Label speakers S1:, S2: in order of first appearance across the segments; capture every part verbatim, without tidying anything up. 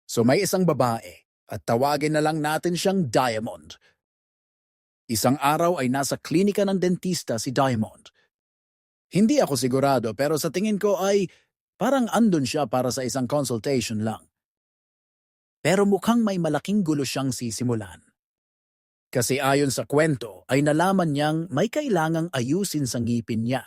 S1: So may isang babae at tawagin na lang natin siyang Diamond. Isang araw ay nasa klinika ng dentista si Diamond. Hindi ako sigurado pero sa tingin ko ay parang andun siya para sa isang consultation lang. Pero mukhang may malaking gulo siyang sisimulan. Kasi ayon sa kwento ay nalaman niyang may kailangang ayusin sa ngipin niya.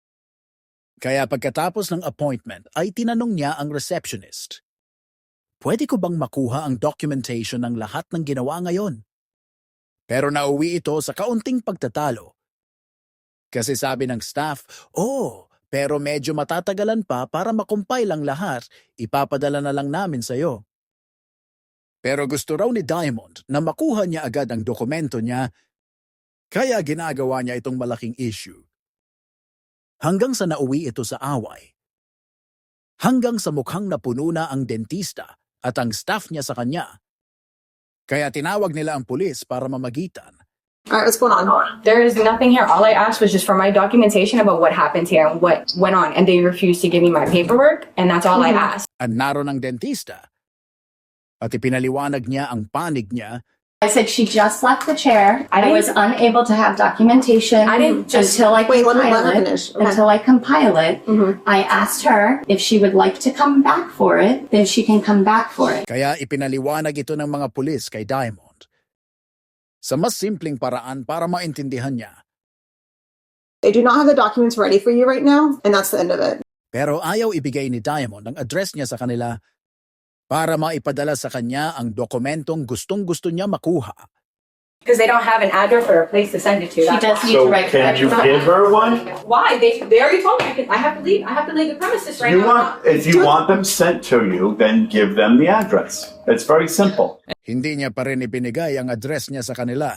S1: Kaya pagkatapos ng appointment ay tinanong niya ang receptionist. Pwede ko bang makuha ang documentation ng lahat ng ginawa ngayon? Pero nauwi ito sa kaunting pagtatalo. Kasi sabi ng staff, oh, pero medyo matatagalan pa para makumpile ang lahat, ipapadala na lang namin sa'yo. Pero gusto raw ni Diamond na makuha niya agad ang dokumento niya, kaya ginagawa niya itong malaking issue. Hanggang sa nauwi ito sa away. Hanggang sa mukhang napuno na ang dentista at ang staff niya sa kanya. Kaya tinawag nila ang pulis para mamagitan.
S2: All right, what's going on?
S3: There is nothing here. All I asked was just for my documentation about what happened here and what went on. And they refused to give me my paperwork, and that's all I asked.
S1: At naroon ang dentista. At ipinaliwanag niya ang panig niya.
S4: I said she just left the chair.
S3: I
S4: I,
S3: didn't-
S4: was unable to have documentation
S3: I didn't just-
S4: until I
S2: Wait, let me- let
S4: compile
S2: her
S4: it.
S2: finish. Okay.
S4: Until I compile it.
S3: Mhm.
S4: I asked her if she would like to come back for it, then she can come back for it.
S1: Kaya ipinaliwanag ito ng mga pulis kay Diamond. Sa mas simpleng paraan para maintindihan niya.
S2: They do not have the documents ready for you right now, and that's the end of it.
S1: Pero ayaw ibigay ni Diamond ang address niya sa kanila para maipadala sa kanya ang dokumentong gustong-gusto niya makuha.
S3: Because they don't have an address or a place to send it to.
S4: She
S3: That's
S4: does
S3: why.
S4: need to
S5: So
S4: write
S5: can you
S4: corrections.
S5: give her one?
S3: Why? They they already told me I, can, I have to leave. I have to leave the premises right
S5: You
S3: now.
S5: want, if you want them sent to you, then give them the address. It's very simple.
S1: Hindi niya pa rin ibinigay ang address niya sa kanila.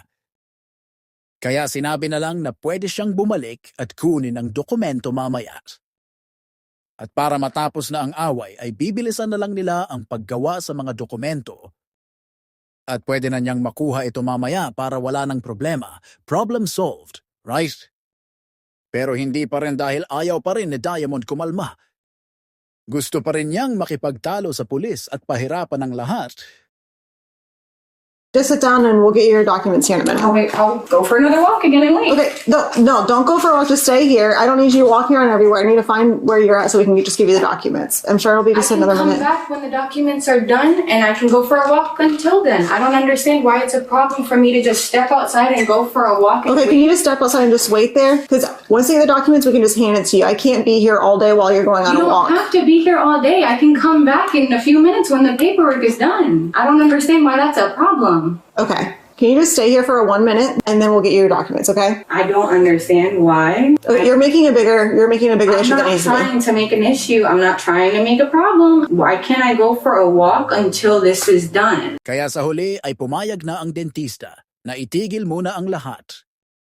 S1: Kaya sinabi na lang na pwede siyang bumalik at kunin ang dokumento mamaya. At para matapos na ang away ay bibilisan na lang nila ang paggawa sa mga dokumento. At pwede na niyang makuha ito mamaya para wala ng problema. Problem solved, right? Pero hindi pa rin dahil ayaw pa rin ni Diamond kumalma. Gusto pa rin niyang makipagtalo sa pulis at pahirapan ang lahat.
S2: Just sit down and we'll get you your documents here in a minute.
S3: I'll, wait, I'll go for another walk again and wait.
S2: Okay, no, no, don't go for a walk. Just stay here. I don't need you walking around everywhere. I need to find where you're at so we can just give you the documents. I'm sure it'll be
S3: I
S2: just
S3: can
S2: another
S3: come
S2: minute.
S3: back when the documents are done, and I can go for a walk until then. I don't understand why it's a problem for me to just step outside and go for a walk. And
S2: Okay,
S3: wait.
S2: can you just step outside and just wait there? Because once they get the documents, we can just hand it to you. I can't be here all day while you're going on
S3: You
S2: a
S3: don't
S2: walk.
S3: have to be here all day. I can come back in a few minutes when the paperwork is done. I don't understand why that's a problem.
S2: Okay. Can you just stay here for a one minute and then we'll get you your documents, okay?
S3: I don't understand why.
S2: Okay, you're making a bigger you're making a bigger
S3: I'm
S2: issue than
S3: not
S2: it needs to be.
S3: trying to make an issue. I'm not trying to make a problem. Why can't I go for a walk until this is done?
S1: Kaya sa huli ay pumayag na ang dentista na itigil muna ang lahat.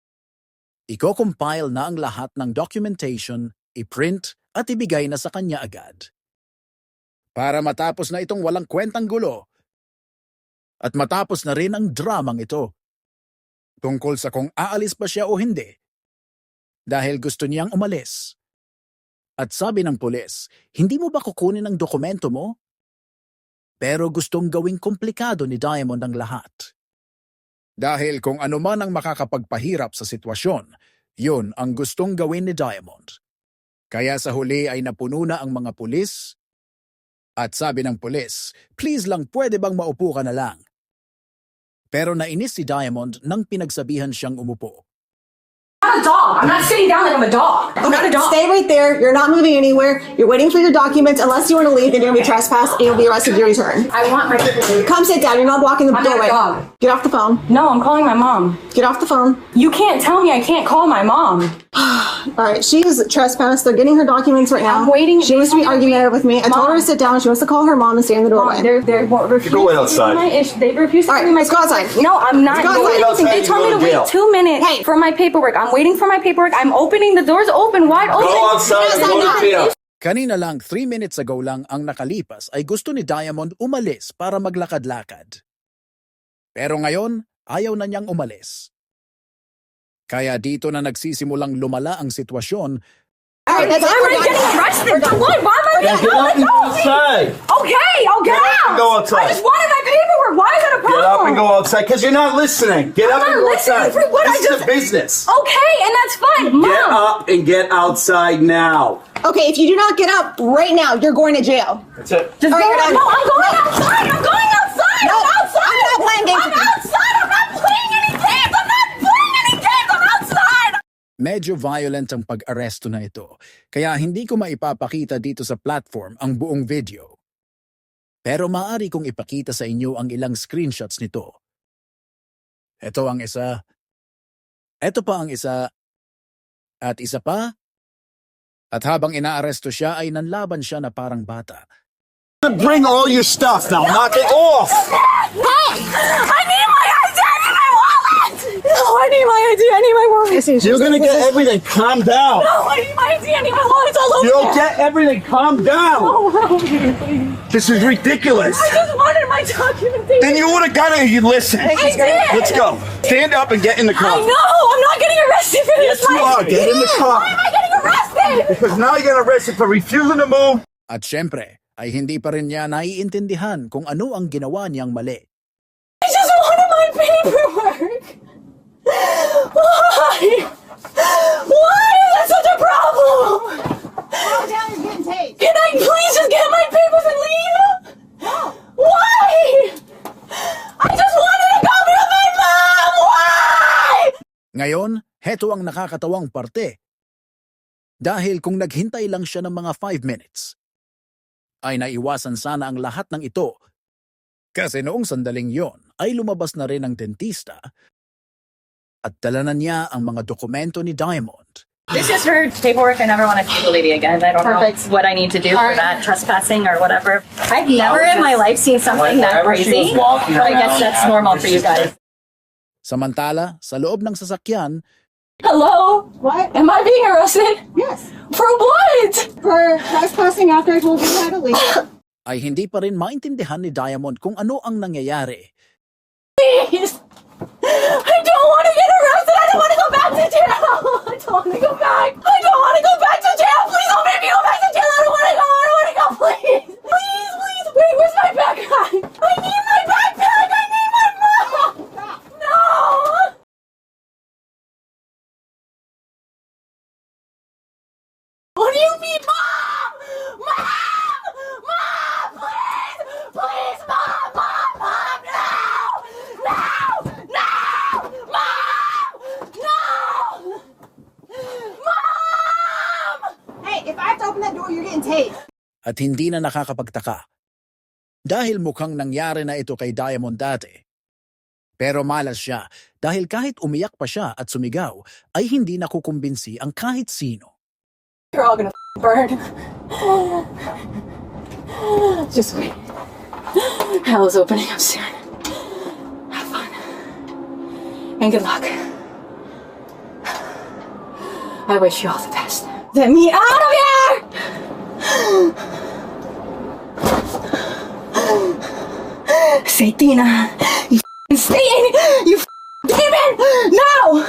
S1: Iko-compile na ang lahat ng documentation, i-print at ibigay na sa kanya agad. Para matapos na itong walang kwentang gulo. At matapos na rin ang dramang ito. Tungkol sa kung aalis ba siya o hindi. Dahil gusto niyang umalis. At sabi ng pulis, hindi mo ba kukunin ang dokumento mo? Pero gustong gawing komplikado ni Diamond ang lahat. Dahil kung ano man ang makakapagpahirap sa sitwasyon, yun ang gustong gawin ni Diamond. Kaya sa huli ay napuno na ang mga pulis. At sabi ng pulis, please lang pwede bang maupo ka na lang? Pero nainis si Diamond nang pinagsabihan siyang umupo.
S3: I'm not a dog. I'm not sitting down like I'm a dog. I'm not a dog.
S2: Stay right there. You're not moving anywhere. You're waiting for your documents. Unless you want to leave, then you're gonna be trespassed and you'll be arrested your return.
S3: I want my paperwork.
S2: Come sit down. You're not blocking the
S3: I'm not a
S2: doorway.
S3: dog.
S2: Get off the phone.
S3: No, I'm calling my mom.
S2: Get off the phone.
S3: You can't tell me I can't call my mom.
S2: All right, she is trespassed. They're getting her documents right now.
S3: I'm waiting.
S2: She wants to be
S3: They told me to
S2: argumentative with me. I told her to
S3: Mom.
S2: sit down. She wants to call her mom and stay in the doorway.
S3: Mom, they're they're refusing
S5: go wait
S3: to give me
S5: outside.
S3: my issue. They refuse to
S2: All right,
S3: give me my
S2: let's go outside.
S3: No, I'm not
S2: Let's go
S3: doing
S2: outside.
S3: anything. They
S5: Outside,
S3: told me
S5: you
S3: to
S5: go to
S3: wait
S5: jail.
S3: two minutes
S2: Hey.
S3: for my paperwork. I'm waiting for my paperwork. I'm opening the doors open, wide open.
S2: outside, go to jail.
S1: Kanina lang, three minutes ago lang ang nakalipas ay gusto ni Diamond umalis para maglakad-lakad. Pero ngayon, ayaw na niyang umalis. Kaya dito na nagsisimulang lumala ang sitwasyon.
S2: All right, that's
S3: I'm
S2: it. We're
S3: already
S2: done.
S3: getting arrested.
S2: We're done.
S3: For what? Why am I
S6: Get
S2: no,
S6: up and go outside.
S2: Okay, I'll get,
S6: Get up
S2: out.
S6: and go outside.
S2: I just wanted my paperwork. Why is that a problem?
S6: Get up and go outside because you're not listening. Get
S2: I'm
S6: up and
S2: not
S6: go
S2: listening
S6: outside.
S2: for what
S6: this
S2: I
S6: is
S2: just-
S6: a business.
S2: Okay, and that's fine.
S6: Get
S2: Mom.
S6: up and get outside now.
S2: Okay, if you do not get up right now, you're going to jail.
S6: That's it.
S2: Just
S7: All
S2: go
S7: right,
S2: out.
S7: no,
S2: No, I'm going outside. I'm going outside. No,
S7: I'm outside.
S2: I'm not playing games
S7: I'm
S2: with you.
S7: outside. I'm not playing any games. I'm not playing any games. I'm outside.
S1: Medyo violent ang pag-aresto na ito, kaya hindi ko maipapakita dito sa platform ang buong video. Pero maaari kong ipakita sa inyo ang ilang screenshots nito. Ito ang isa. Ito pa ang isa. At isa pa. At habang inaaresto siya ay nanlaban siya na parang bata.
S6: Bring all your stuff now. Knock it off.
S7: Hey, I need my I D. I need my wallet. No, I need my I D. I need my wallet.
S6: You're gonna get everything. Calm down.
S7: No, I need my I D. I need my wallet. It's all over
S6: You'll
S7: there.
S6: get everything. Calm down.
S7: Oh, help me, please.
S6: This is ridiculous.
S7: I just wanted my documentation.
S6: Then you would have got it. You listen.
S7: I did.
S6: Let's go. Stand up and get in the
S7: I
S6: car.
S7: know. I'm not getting arrested for this.
S6: Yes, you
S7: My-
S6: are. Get in the car.
S7: Why am I getting arrested?
S6: Because now you get arrested for refusing to move.
S1: At syempre, ay hindi pa rin niya naiintindihan kung ano ang ginawa niyang mali.
S7: I just wanted my paperwork. Why? Why is that such a problem?
S2: Calm down, you're getting tased.
S7: Can I please just get my papers and leave? Why? I just wanted to go be with my mom. Why?
S1: Ngayon, heto ang nakakatawang parte. Dahil kung naghintay lang siya ng mga five minutes, ay naiwasan sana ang lahat ng ito. Kasi noong sandaling yon ay lumabas na rin ang dentista at dala na niya ang mga dokumento ni Diamond.
S8: This is her paperwork. I never want to see the lady again. I don't
S7: Perfect.
S8: know what I need to do for
S7: Alright.
S8: that trespassing or whatever. I've never in my life seen something that
S6: Whenever she
S8: crazy.
S6: was walking
S8: But I guess
S6: around
S8: that's
S6: after
S8: normal for you
S6: she-
S8: guys.
S1: Samantala, sa loob ng sasakyan,
S7: Hello?
S2: What?
S7: Am I being arrested?
S2: Yes.
S7: For what?
S2: For trespassing after I told you how to leave.
S1: ay hindi pa rin maintindihan ni Diamond kung ano ang nangyayari.
S7: Please. I don't want to get arrested. I don't want to go back to jail. I don't want to go back. I don't want to go back to jail. Please don't make me go back to jail. I don't want to go. I don't want to go. Please. Please, please. Wait, where's my backpack? I need my backpack. I need my mom. No. What do you mean, Mom? Mom! Mom, please! Please, Mom! Mom! Mom! No! No! No! Mom! No! Mom!
S2: Hey, if I have to open that door, you're getting tased.
S1: At hindi na nakakapagtaka. Dahil mukhang nangyari na ito kay Diamond dati. Pero malas siya dahil kahit umiyak pa siya at sumigaw ay hindi nakukumbinsi ang kahit sino.
S7: You're all gonna burn. Just wait. Hell is opening up soon. Have fun. And good luck. I wish you all the best. Let me out of here! Say, Tina, you f***ing stay in, you f***ing demon! No!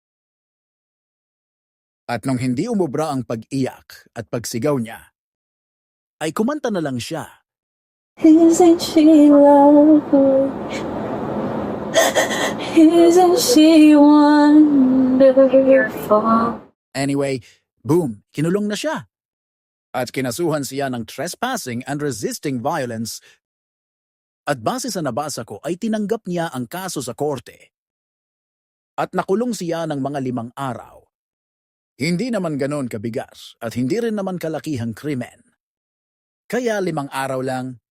S1: At nung hindi umubra ang pag-iyak at pagsigaw niya, ay kumanta na lang siya.
S7: Isn't she lovely? Isn't she wonderful?
S1: Anyway, boom, kinulong na siya. At kinasuhan siya ng trespassing and resisting violence. At base sa nabasa ko ay tinanggap niya ang kaso sa korte. At nakulong siya ng mga limang araw. Hindi naman ganon kabigat at hindi rin naman kalakihang krimen. Kaya limang araw lang,